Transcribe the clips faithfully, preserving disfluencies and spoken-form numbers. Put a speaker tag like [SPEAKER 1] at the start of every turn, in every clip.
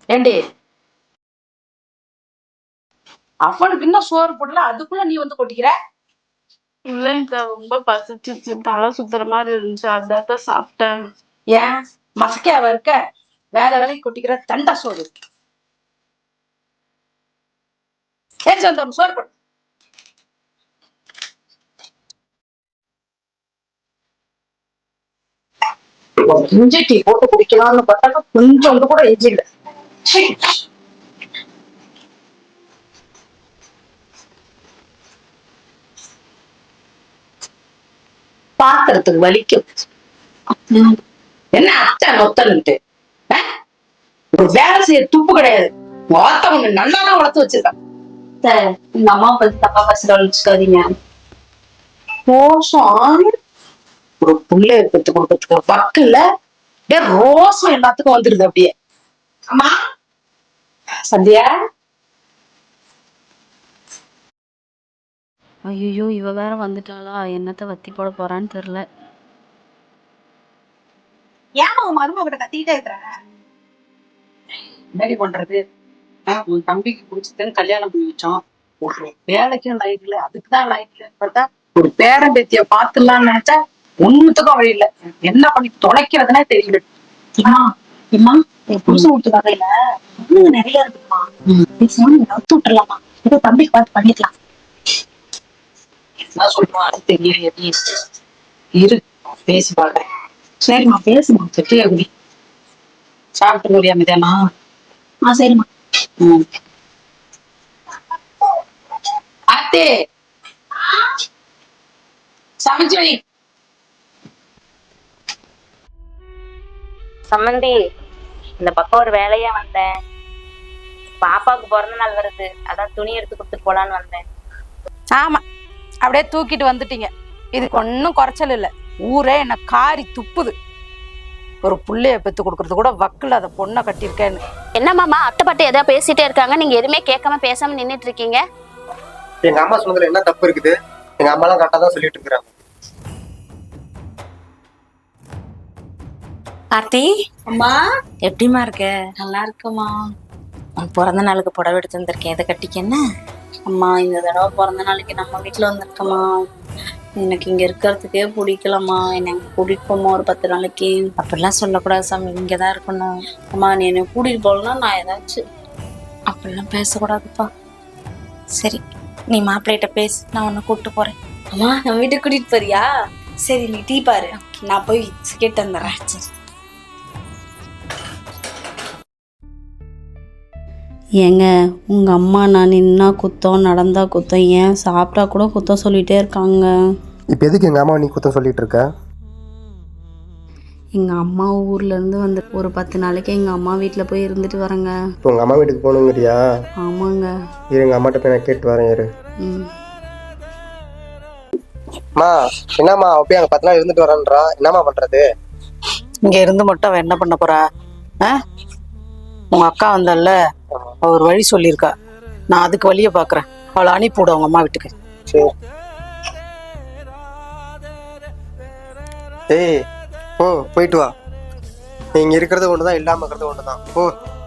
[SPEAKER 1] ஏண்டி அவனுக்கு இன்னும் சோறு போடல, அதுக்குள்ள நீ வந்து கொட்டிக்கிற?
[SPEAKER 2] இல்லைங்க, ரொம்ப பசிச்சிச்சு, தலை சுத்துற மாதிரி இருந்துச்சு, அதான் சாப்பிட்டேன்.
[SPEAKER 1] ஏன் மசக்கையாவ இருக்க? வேலை வேலைக்கு கொட்டிக்கிற தண்டா சோறு. ஏன் சொந்த சோறு போடு. இஞ்சி டீ போட்டு குடிக்கலாம்னு பார்த்தாக்க கொஞ்சம் கூட இஞ்சி இல்லை. பாத்திரத்துக்கு வலிக்கும். என்ன அத்தை நொத்தன்ட்டு ஒரு வேலை செய்ய துப்பு கிடையாது. வார்த்தை ஒண்ணு நல்லாதான் வளர்த்து வச்சிருக்கான். இந்த அம்மா பத்தி தப்பா பேசுற வச்சுக்காதீங்க. ரோசம் ஒரு புள்ளைய பெற்று கொடுக்கறதுக்கு வக்கில்ல, ரோசம் எல்லாத்துக்கும் வந்துருது அப்படியே. அம்மா சந்தியா.
[SPEAKER 3] ஐயோ, இவ வேற வந்துட்டாளா? என்னத்த வத்தி போட போறான்னு தெரியல.
[SPEAKER 1] ஏன் உன் மருமகிட்ட கத்திக்கிட்டே இருக்கிற? என்னடி பண்றது? உன் தம்பிக்கு பிடிச்சதுன்னு கல்யாணம் பண்ணி வச்சோம். ஒரு வேலைக்கும் லைஃப்ல அதுக்குதான் லைஃப்ல பார்த்தா ஒரு பேரன் பேத்திய பாத்துலாம்னு நினைச்சா ஒண்ணுத்துக்கும் வழி இல்ல. என்ன பண்ணி தொலைக்கிறதுனே தெரியல. இம்மா என் புருஷன் விட்டு வகையில நிறைய இருக்குமா, நவுத்து விட்டுலாமா? ஏதோ தம்பிக்கு பார்த்து பண்ணிக்கலாம். என்ன சொல்லுவான் அது தெரியல. எப்படி இரு பேசி பாக்குறேன். சரிம்மா பேசுமா. செட்டியா குடி. சாப்பிட்டு முடியாம தானா? ஆ சரிம்மா. ம் ஆத்தே சமைச்சு வை.
[SPEAKER 4] சம்மந்தி, இந்த பக்கம் ஒரு வேலையா வந்தேன். பாப்பாவுக்கு பிறந்த நாள் வருது, அதான் துணி எடுத்து கொடுத்துட்டு போலான்னு வந்தேன்.
[SPEAKER 1] ஆமா, அப்படியே தூக்கிட்டு வந்துட்டீங்க. இதுக்கு ஒன்னும் குறைச்சல் இல்ல. ஊரே என்ன காரி துப்புது. ஒரு புள்ளைய பெத்து கொடுக்கறது கூட வக்குல அத பொண்ணை கட்டிருக்கேன்னு.
[SPEAKER 4] என்ன மாமா, அத்தை பாட்டு ஏதாவது பேசிட்டே இருக்காங்க, நீங்க எதுவுமே கேட்காம பேசாம நின்னுட்டு இருக்கீங்க.
[SPEAKER 5] எங்க அம்மா சொன்னதுல என்ன தப்பு இருக்குது? எங்க அம்மா எல்லாம் கரெக்டா தான் சொல்லிட்டு இருக்காங்க.
[SPEAKER 4] ஆர்த்தி அம்மா, எப்படிமா இருக்க?
[SPEAKER 3] நல்லா இருக்குமா.
[SPEAKER 4] உன் பிறந்த நாளுக்கு புடவை எடுத்து வந்திருக்கேன், எதை கட்டிக்க? என்ன
[SPEAKER 3] அம்மா, இந்த தடவை பிறந்த நாளைக்கு நம்ம வீட்டுல வந்திருக்கமா. எனக்கு இங்க இருக்கிறதுக்கே பிடிக்கலம்மா. என்னை கூட்டிட்டு போமா ஒரு பத்து நாளைக்கு.
[SPEAKER 4] அப்படிலாம் சொல்லக்கூடாது சாமி, இங்கதான் இருக்கணும்.
[SPEAKER 3] அம்மா, நீ என்னை கூட்டிட்டு போகலன்னா நான் ஏதாச்சும்.
[SPEAKER 4] அப்படிலாம் பேசக்கூடாதுப்பா. சரி, நீ மாப்பிள்ளைகிட்ட பேசு, நான் உன்னை கூப்பிட்டு போறேன்.
[SPEAKER 3] அம்மா, நம்ம வீட்டுக்கு கூட்டிட்டு போறியா? சரி, நீ டீ பாரு, நான் போய் கேட்டு வந்துடுறேன். சரி. ஏங்க, உங்கள் அம்மா நான் நின்னா குத்தம் நடந்தா குத்தம், ஏன் சாப்பிட்டா கூட குத்தம் சொல்லிகிட்டே இருக்காங்க.
[SPEAKER 5] இப்போ எதுக்கு எங்கள் அம்மா நீ குத்தம் சொல்லிட்டு இருக்க?
[SPEAKER 3] எங்கள் அம்மா ஊர்லேருந்து வந்து ஒரு பத்து நாளைக்கு எங்கள் அம்மா வீட்டில் போய் இருந்துட்டு வரேங்க.
[SPEAKER 5] இப்போ உங்கள் அம்மா வீட்டுக்கு போகணுங்கிறியா?
[SPEAKER 3] ஆமாங்க.
[SPEAKER 5] இரு, எங்கள் அம்மாட்ட போய் நான் கேட்டு வரேன். இரு.
[SPEAKER 3] ம்
[SPEAKER 5] அம்மா, என்னம்மா அவ போய் அங்கே பத்து நாள் இருந்துட்டு வரேன்றா, என்னம்மா பண்ணுறது?
[SPEAKER 1] இங்க இருந்து மட்டும் அவன் என்ன பண்ண போறா? உங்க அக்கா வந்தால ஒரு வழி சொல்லியிருக்கா. நான் அதுக்கு வழிய பாக்குறேன். அவளை அனுப்பிவிட உங்க அம்மா வீட்டுக்கு.
[SPEAKER 5] சரி. ஏய் ஓ, போயிட்டு வா. நீங்க இருக்கிறது ஒண்ணுதான், இல்லாம இருக்கிறது ஒண்ணுதான். ஓ.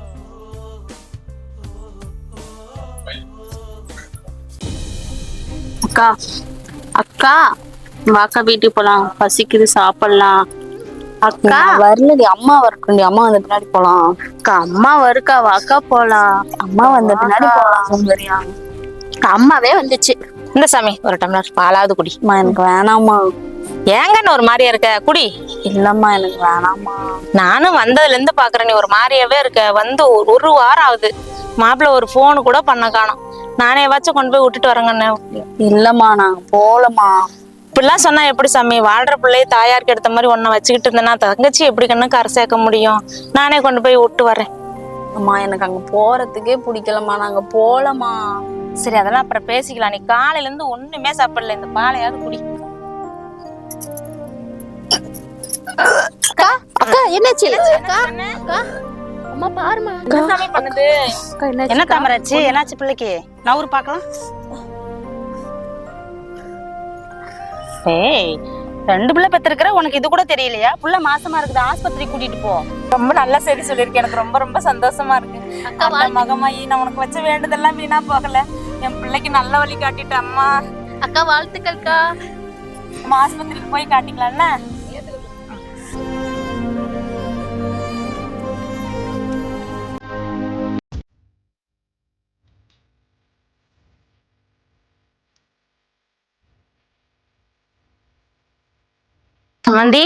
[SPEAKER 2] அக்கா அக்கா வாக்கா வீட்டுக்கு போலாம், பசிக்குது, சாப்பிடலாம். அக்கா
[SPEAKER 3] வரலடி, அம்மா வரட்டும். அம்மா வந்த பின்னாடி போலாம்.
[SPEAKER 2] அக்கா அம்மா வருக்கா, வாக்கா போலாம்.
[SPEAKER 3] அம்மா வந்த பின்னாடி போலாம். சரியா?
[SPEAKER 4] அம்மாவே வந்துச்சு. இந்த சாமி ஒரு டம்ளர் பாலாவது குடி.
[SPEAKER 3] அம்மா, எனக்கு வேணாம்மா.
[SPEAKER 4] ஏங்கன்னு ஒரு மாதிரியா இருக்க, குடி.
[SPEAKER 3] இல்லம்மா, எனக்கு வேணாம்மா.
[SPEAKER 4] நானும் வந்ததுல இருந்து பாக்குறேன், நீ ஒரு மாதிரியாவே இருக்க. வந்து ஒரு வாரம் ஆகுது, மாப்பிள்ள ஒரு போனு கூட பண்ண காணோம். நானே வாச்சும் கொண்டு போய் விட்டுட்டு வரேங்கண்ணே.
[SPEAKER 3] இல்லம்மா, நாங்க போலமா.
[SPEAKER 4] இப்படிலாம் சொன்னா எப்படி சாமி? வாழ்ற பிள்ளைய தாயாருக்கு எடுத்த மாதிரி ஒன்ன வச்சுக்கிட்டு இருந்தேன்னா தங்கச்சி எப்படி கண்ணு கரை சேர்க்க முடியும்? நானே கொண்டு போய் விட்டு வரேன்.
[SPEAKER 3] அம்மா, எனக்கு அங்க போறதுக்கே பிடிக்கலம்மா, நாங்க போலமா.
[SPEAKER 4] சரி, அதெல்லாம் அப்புறம் பேசிக்கலாம். நீ காலையில இருந்து ஒண்ணுமே சாப்பிடல, இந்த பாலையாவது குடி.
[SPEAKER 6] அக்கா அக்கா என்னாச்சு? அக்கா அக்கா அம்மா பாருமா.
[SPEAKER 4] என்ன சாமி பண்ணுது? என்ன தாமராச்சு? என்னாச்சு பிள்ளைக்கு? நான் ஊர் பாக்கலாம். ஏய்,
[SPEAKER 7] ரெண்டு பிள்ளை பெற்றிருக்கிற, உனக்கு இது கூட தெரியலையா? புள்ள மாசமா இருக்குது, ஆஸ்பத்திரி கூட்டிட்டு போ. ரொம்ப நல்ல செய்தி சொல்லியிருக்கேன், எனக்கு ரொம்ப ரொம்ப சந்தோஷமா இருக்கு. அந்த மகமாயி நான் உனக்கு வச்ச வேண்டுதெல்லாம் வீணா போகல, என் பிள்ளைக்கு நல்ல வழி காட்டிட்டு அம்மா.
[SPEAKER 6] அக்கா வாழ்த்துக்கள்க்கா.
[SPEAKER 7] நம்ம ஆஸ்பத்திரிக்கு போய் காட்டிக்கலாம்ல.
[SPEAKER 4] சமந்தி,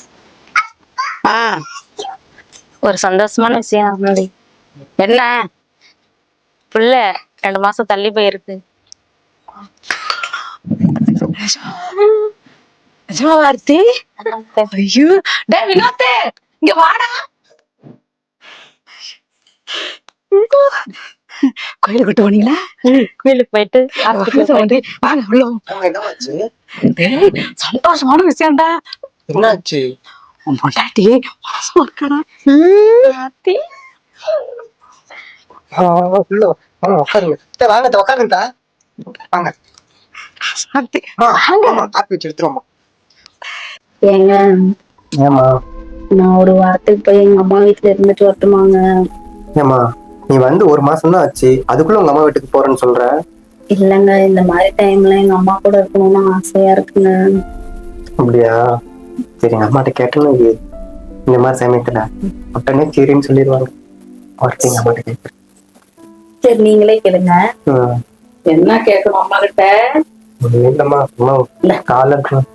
[SPEAKER 4] ஒரு சந்தோஷமான விஷயம் சமந்தி.
[SPEAKER 1] என்ன?
[SPEAKER 4] புள்ள ரெண்டு மாசம் தள்ளி போயிருக்கு.
[SPEAKER 1] வார்த்தை ஐயோ, டேய் வினோத், இங்க வாடா. கோயிலுக்கு கூட்டு போனீங்களா?
[SPEAKER 4] கோயிலுக்கு போயிட்டு
[SPEAKER 1] வந்து வாங்க உள்ள. டேய் சந்தோஷமான விஷயம்டா.
[SPEAKER 5] என்னாச்சு?
[SPEAKER 1] உன் பொண்டாட்டி மாசமா இருக்காடா.
[SPEAKER 5] உள்ள உட்காருங்க. வாங்க உட்காருங்கத்தா. வாங்க
[SPEAKER 1] சாந்தி,
[SPEAKER 5] காப்பி வச்சு எடுத்துருவோம்மா.
[SPEAKER 3] ஏங்க
[SPEAKER 5] ஏமா?
[SPEAKER 3] நான் ஒரு வாரத்துக்கு போய் எங்க அம்மா வீட்டுல இருந்துட்டு வரட்டுமாங்க?
[SPEAKER 5] ஏமா, நீ வந்து ஒரு மாசம் தான் ஆச்சு, அதுக்குள்ள உங்க அம்மா வீட்டுக்கு போறேன்னு சொல்ற?
[SPEAKER 3] இல்லங்க, இந்த மாதிரி டைம்ல எங்க அம்மா கூட இருக்கணும்னு ஆசையா இருக்குங்க.
[SPEAKER 5] அப்படியா? சரி, எங்க அம்மாட்ட கேட்டேன்னு இந்த மாதிரி சமயத்துல உடனே சரின்னு சொல்லிடுவாங்க. அவர்கிட்ட எங்க அம்மாட்ட கேட்கறேன்.
[SPEAKER 3] சரி, நீங்களே கேளுங்க.
[SPEAKER 1] என்ன கேட்கணும் அம்மா கிட்ட?
[SPEAKER 5] இல்லம்மா, அம்மா கால இருக்கணும்.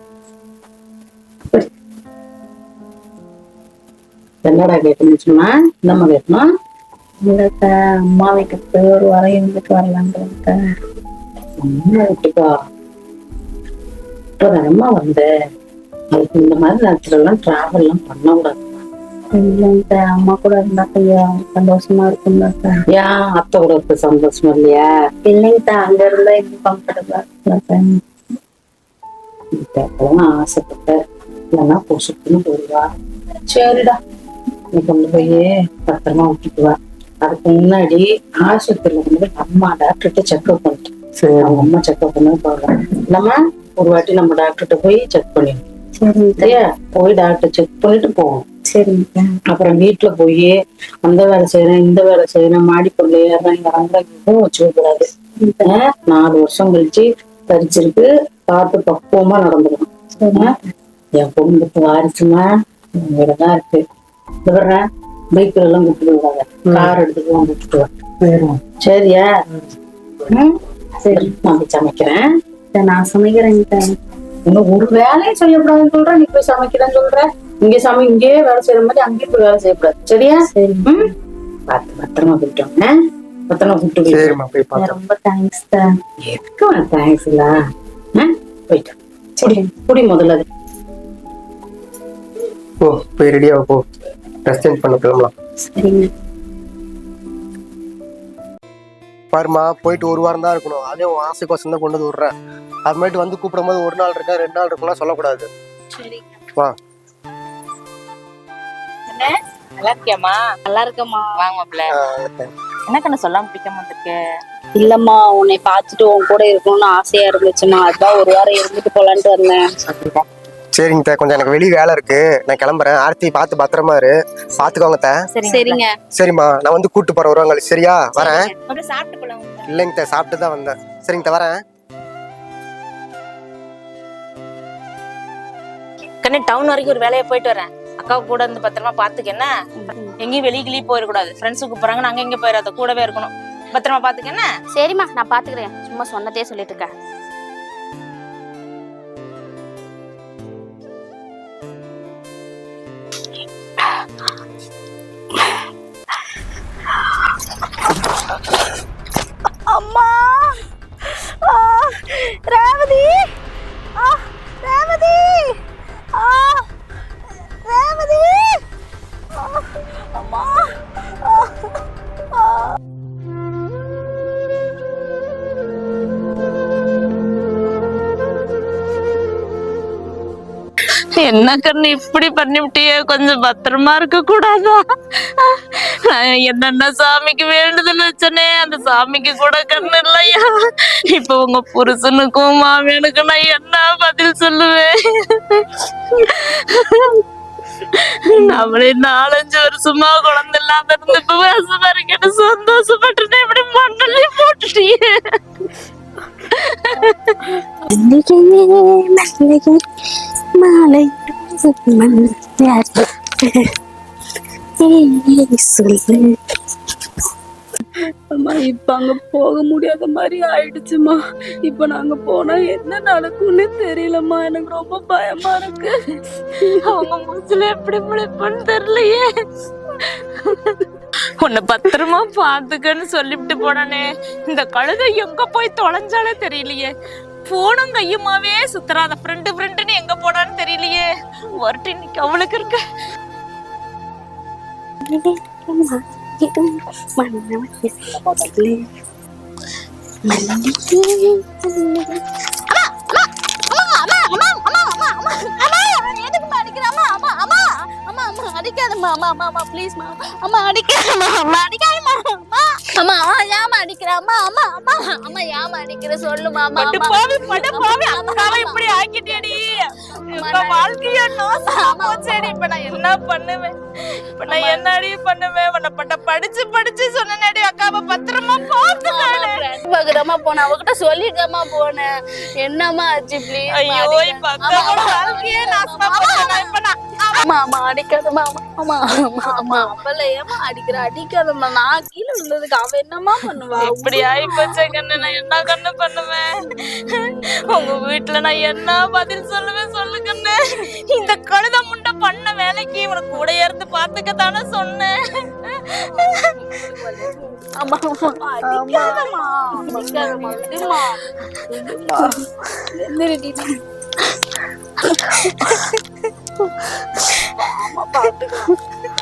[SPEAKER 1] என்னடா கேட்கணும் சொன்னா? என்னம்மா கேட்கணும்?
[SPEAKER 3] இல்லக்க, அம்மா வீட்டுக்கு போய் ஒரு வாரம் இருந்துட்டு வரலாங்க.
[SPEAKER 1] அம்மா வீட்டுக்கா? இப்பதானம்மா வந்த, அதுக்கு இந்த மாதிரி நேரத்துல எல்லாம் டிராவல் எல்லாம் பண்ண கூடாது.
[SPEAKER 3] இல்லைங்க, அம்மா கூட இருந்தா கொஞ்சம் சந்தோஷமா இருக்குங்க.
[SPEAKER 1] ஏன் அத்தை கூட இருக்க சந்தோஷமா இல்லையா?
[SPEAKER 3] இல்லைங்க, அங்க இருந்தா இன்னும் கம்ஃபர்டபுளா இருக்குங்க.
[SPEAKER 1] கேட்கலாம் ஆசைப்பட்ட, இல்லைன்னா பொசுக்குன்னு போடுவா. சரிடா, நீ கொண்டு போய் பத்திரமா விட்டுட்டு வா. அதுக்கு முன்னாடி ஆஸ்பத்திரியில கொண்டு போய் அம்மா டாக்டர்கிட்ட செக்அப் பண்ணிட்டு,
[SPEAKER 5] சரி,
[SPEAKER 1] அவங்க அம்மா செக்அப் பண்ண போடுறாங்க. நம்ம ஒரு வாட்டி நம்ம டாக்டர்கிட்ட போய் செக் பண்ணிடணும். சரியா? போய் டாக்டர் செக் பண்ணிட்டு போவோம்.
[SPEAKER 3] சரிங்க.
[SPEAKER 1] அப்புறம் வீட்டுல போய் அந்த வேலை செய்யறேன், இந்த வேலை செய்யறேன், மாடி பொருள் ஏறேன், இங்க எதுவும் வச்சுக்க கூடாது. நாலு வருஷம் கழிச்சு பறிச்சிருக்கு, பார்த்து பக்குவமா நடந்துக்கணும். என் குடும்பத்து வாரிசுமா இங்கதான் இருக்கு. விடுறேன், பைக்ல எல்லாம் கூப்பிட்டு விடாத, கார் எடுத்துட்டு எல்லாம் கூப்பிட்டு வா. சரியா? சரி, நான் போய் சமைக்கிறேன்.
[SPEAKER 3] நான் சமைக்கிறேங்க.
[SPEAKER 1] இன்னும் ஒரு வேலையும் செய்யக்கூடாதுன்னு சொல்ற, நீ போய் சமைக்கிறேன்னு சொல்ற. இங்க சமை இங்கேயே வேலை செய்யற மாதிரி அங்கேயும் போய் வேலை செய்யக்கூடாது. சரியா? சரி, பார்த்து பத்திரமா போயிட்டோங்க. பத்திரமா கூப்பிட்டு போயிட்டோம்.
[SPEAKER 3] ரொம்ப தேங்க்ஸ் தான்.
[SPEAKER 1] எதுக்கு தேங்க்ஸ் இல்ல, போயிட்டோம். சரி, குடி முதல்ல. அது
[SPEAKER 5] போ, போய் ரெடியா போ, ட்ரெஸ் சேஞ்ச் பண்ண கிளம்பலாம்.
[SPEAKER 3] சரிங்க.
[SPEAKER 5] பாருமா, போயிட்டு ஒரு வாரம் தான் இருக்கணும். அதே உன் ஆசைக்கோசம் தான் கொண்டு வந்து விடுறேன். அது மாதிரி வந்து கூப்பிடும் போது ஒரு நாள் இருக்கா ரெண்டு நாள் இருக்கும்லாம் சொல்லக்கூடாது. வா.
[SPEAKER 7] நல்லா இருக்கியாமா?
[SPEAKER 3] நல்லா இருக்கம்மா.
[SPEAKER 7] வாங்க மாப்பிள்ள. என்ன கண்ணு சொல்லாம பிடிக்காம வந்திருக்கு?
[SPEAKER 3] இல்லம்மா, உன்னை பார்த்துட்டு உன் கூட இருக்கணும்னு ஆசையா இருந்துச்சுமா, அதான் ஒரு வாரம் இருந்துட்டு போலான்ட்டு வந்தேன்.
[SPEAKER 5] சரிங்க, கொஞ்சம் எனக்கு வெளியே வேலை இருக்கு, நான் கிளம்புறேன். ஆர்த்தி பார்த்து பத்திரமா இரு, பாத்துக்கோங்க.
[SPEAKER 3] சரிங்க.
[SPEAKER 5] சரிம்மா, நான் வந்து கூட்டு போறேன் ஒரு வாரம். சரியா? வரேன்.
[SPEAKER 7] சாப்பிட்டு போலாம்.
[SPEAKER 5] இல்லைங்க, சாப்பிட்டு தான் வந்தேன். சரிங்க, வரேன்.
[SPEAKER 7] கண்ணு, டவுன் வரைக்கும் ஒரு வேலையை போயிட்டு வரேன். அக்காவை கூட இருந்து பத்திரமா பாத்துக்க. என்ன, எங்கேயும் வெளியே கிளியே போயிடக்கூடாது. ஃப்ரெண்ட்ஸுக்கு போறாங்க, நாங்க எங்க போயிடாத, கூடவே இருக்கணும். பத்திரமா பாத்துக்க. என்ன?
[SPEAKER 6] சரிம்மா, நான் பாத்துக்கிறேன். சும்மா சொன்னதே சொல்லிட்டு இருக்க.
[SPEAKER 2] அம்மா, ரேவதி, ரேவதி, ரேவதி, அம்மா.
[SPEAKER 4] என்ன கண்ணு இப்படி பண்ணிவிட்டியே, கொஞ்சம் பத்திரமா இருக்க கூடாதா? நான் என்னென்ன சாமிக்கு வேண்டுதல் வச்சனே அந்த சாமிக்கு கூட கண்ணு இல்லையா? இப்ப உங்க புருஷனுக்கும் மாமியனுக்கும் நான் என்ன பதில் சொல்லுவேன்? நம்மளே நாலஞ்சு வருஷமா குழந்தை இல்லாம இருந்து இப்ப வருஷமா இருக்கேன்னு சந்தோஷப்பட்டு இப்படி மண்ணலே போட்டுட்டியே.
[SPEAKER 3] மாலை
[SPEAKER 2] அம்மா இப்ப அங்க போக முடியாத மாதிரி ஆயிடுச்சுமா. இப்ப நாங்க போனா என்ன நடக்கும்னு தெரியலம்மா. எனக்கு ரொம்ப பயமா இருக்கு.
[SPEAKER 4] அவங்க மூச்சுல எப்படி முளைப்புன்னு தெரியலையே. உன்னை பத்திரமா பாத்துக்கன்னு சொல்லிவிட்டு போனே, இந்த கழுதை எங்க போய் தொலைஞ்சாலே தெரியலையே. போனும் கையுமாவே சுத்துறாத ஃப்ரெண்டு ஃப்ரெண்டுன்னு எங்க போனான்னு தெரியலையே. ஒருட்டு இன்னைக்கு அவளுக்கு இருக்க.
[SPEAKER 6] அடிக்காதம்மா அம்மா அம்மா அம்மா ப்ளீஸ் மா அம்மா அடிக்காதம்மா அம்மா அடிக்காதம்மா அம்மா அம்மா ஏமா அடிக்கிற அம்மா அம்மா அம்மா அம்மா ஏமா அடிக்கிற சொல்லுமா அம்மா
[SPEAKER 4] பட்டு போவி பட்டு போவி அக்காவை இப்படி ஆக்கிட்டேடி. இப்ப வாழ்க்கைய நாசமா போச்சேடி. இப்ப நான் என்ன பண்ணுவேன்? இப்ப நான் என்னடி பண்ணுவேன்? உன்னை பட்ட படிச்சு படிச்சு சொன்னேடி அக்காவை பத்திரமா பாத்துக்கானே.
[SPEAKER 6] பகுதமா போன அவகிட்ட சொல்லிட்டமா போனேன். என்னம்மா ஆச்சு ப்ளீஸ்?
[SPEAKER 4] ஐயோ இப்ப அக்காவோட வாழ்க்கையே நாசமா போச்சு. இப்ப நான்
[SPEAKER 6] அம்மா அம்மா அடிக்காதம்மா அம்மா அம்மா அம்மா அப்பல ஏமா அடிக்கிற? அடிக்காதம்மா. நான் கீழே விழுந்ததுக்கு அவ என்னமா பண்ணுவா?
[SPEAKER 4] இப்படி ஆயி போச்சே கண்ணு. நான் என்ன கண்ணு பண்ணுவேன்? உங்க வீட்டுல நான் என்ன பதில் சொல்லுவேன் சொல்லு கண்ணு. இந்த கழுத முண்டை பண்ண வேலைக்கு உனக்கு கூட இருந்து பாத்துக்கத்தானே சொன்னேன்.
[SPEAKER 6] அம்மா அம்மா அடிக்காதம்மா அடிக்காதம்மா விடுமா விடுமா எந்திரடி அம்மா பாத்துக்கலாம்.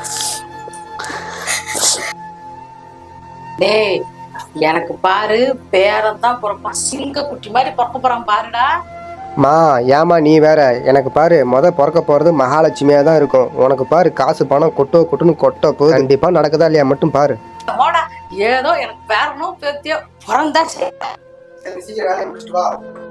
[SPEAKER 1] டேய் எனக்கு பாரு பேரன் தான் பிறப்பான். சிங்க குட்டி மாதிரி பிறக்க போறான் பாருடா.
[SPEAKER 5] மா ஏமா நீ வேற, எனக்கு பாரு முத பிறக்க போறது மகாலட்சுமியா தான் இருக்கும். உனக்கு பாரு காசு பணம் கொட்டோ கொட்டுன்னு கொட்ட போகுது. கண்டிப்பா நடக்குதா இல்லையா மட்டும் பாரு.
[SPEAKER 1] போடா ஏதோ எனக்கு பேரனோ பேத்தியோ பிறந்தா
[SPEAKER 5] சீக்கிரம் வேலையை முடிச்சுட்டு வா.